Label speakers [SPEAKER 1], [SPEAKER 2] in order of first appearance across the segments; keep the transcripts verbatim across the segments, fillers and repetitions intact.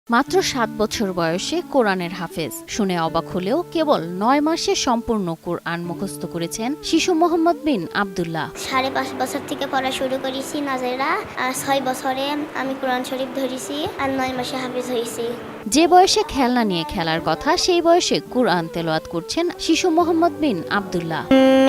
[SPEAKER 1] মাত্র সাত বছর বয়সে কোরআনের হাফেজ। শুনে অবাক হলেও কেবল নয় মাসে সম্পূর্ণ কোরআন মুখস্থ করেছেন শিশু মোহাম্মদ বিন আবদুল্লাহ।
[SPEAKER 2] সাড়ে পাঁচ বছর থেকে পড়া শুরু করেছি নাজেরা। আর ছয় বছরে আমি কোরআন শরীফ ধরেছি আর নয় মাসে হাফেজ হয়েছি।
[SPEAKER 1] যে বয়সে খেলনা নিয়ে খেলার কথা সেই বয়সে কোরআন তেলাওয়াত করছেন শিশু মোহাম্মদ বিন আবদুল্লাহ।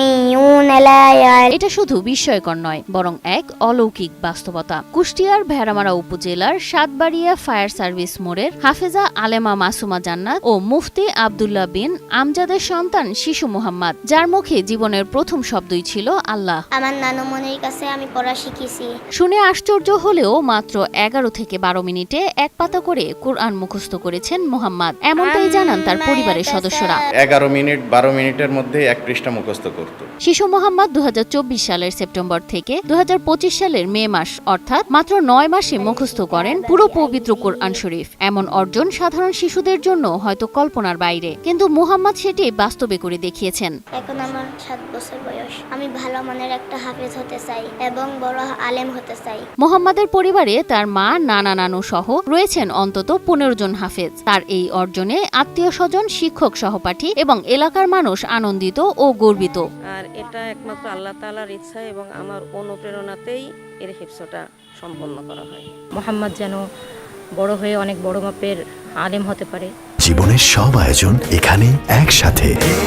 [SPEAKER 1] এটা শুধু বিস্ময়কর নয়, বরং এক অলৌকিক বাস্তবতা। কুষ্টিয়ার ভেড়ামারা উপজেলার সাতবাড়িয়া ফায়ার সার্ভিস মোড়ের হাফেজা আলেমা মাসুমা জান্নাত ও মুফতি আবদুল্লাহ বিন আমজাদের সন্তান শিশু মোহাম্মদ, যার মুখে জীবনের প্রথম শব্দই ছিল আল্লাহ।
[SPEAKER 2] আমার নানুমনির কাছে আমি পড়া শিখেছি।
[SPEAKER 1] শুনে আশ্চর্য হলেও মাত্র এগারো থেকে বারো মিনিটে এক পাতা করে কোরআন মুখস্থ করেছেন মোহাম্মদ, এমনটাই জানান তার পরিবারের সদস্যরা।
[SPEAKER 3] এগারো মিনিট বারো মিনিটের মধ্যে এক পৃষ্ঠা মুখস্থ করত।
[SPEAKER 1] শিশু মোহাম্মদ দু হাজার চব্বিশ সালের সেপ্টেম্বর থেকে দু হাজার পঁচিশ সালের মে মাস অর্থাৎ মাত্র নয় মাসে মুখস্থ করেন পুরো পবিত্র কোরআন শরীফ। এমন অর্জন সাধারণ শিশুদের জন্য হয়তো কল্পনার বাইরে, কিন্তু মোহাম্মদ সেটি বাস্তবে করে দেখিয়েছেন।
[SPEAKER 2] এখন আমার সাত বছর বয়স। আমি ভালো মানের একটা হাফেজ হতে চাই এবং বড় আলেম হতে চাই।
[SPEAKER 1] মোহাম্মদের পরিবারে তার মা, নানা নানু সহ রয়েছেন অন্তত পনেরো জন হাফেজ। তার এই অর্জনে আত্মীয় স্বজন, শিক্ষক, সহপাঠী এবং এলাকার মানুষ আনন্দিত ও গর্বিত।
[SPEAKER 4] আর এটা একমাত্র আল্লাহ তাআলার ইচ্ছা এবং আমার অনুপ্রেরণাতেই এর হিফজটা সম্পন্ন করা হয়।
[SPEAKER 5] মোহাম্মদ যেন বড় হয়ে অনেক বড় মাপের আলেম হতে পারে।
[SPEAKER 6] জীবনের সব আয়োজন এখানে একসাথে।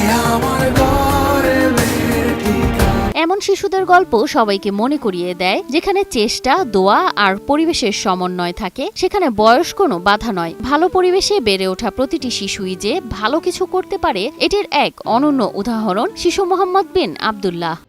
[SPEAKER 1] এমন শিশুদের গল্প সবাইকে মনে করিয়ে দেয়, যেখানে চেষ্টা, দোয়া আর পরিবেশের সমন্বয় থাকে সেখানে বয়স কোনো বাধা নয়। ভালো পরিবেশে বেড়ে ওঠা প্রতিটি শিশুই যে ভালো কিছু করতে পারে, এটির এক অনন্য উদাহরণ শিশু মোহাম্মদ বিন আবদুল্লাহ।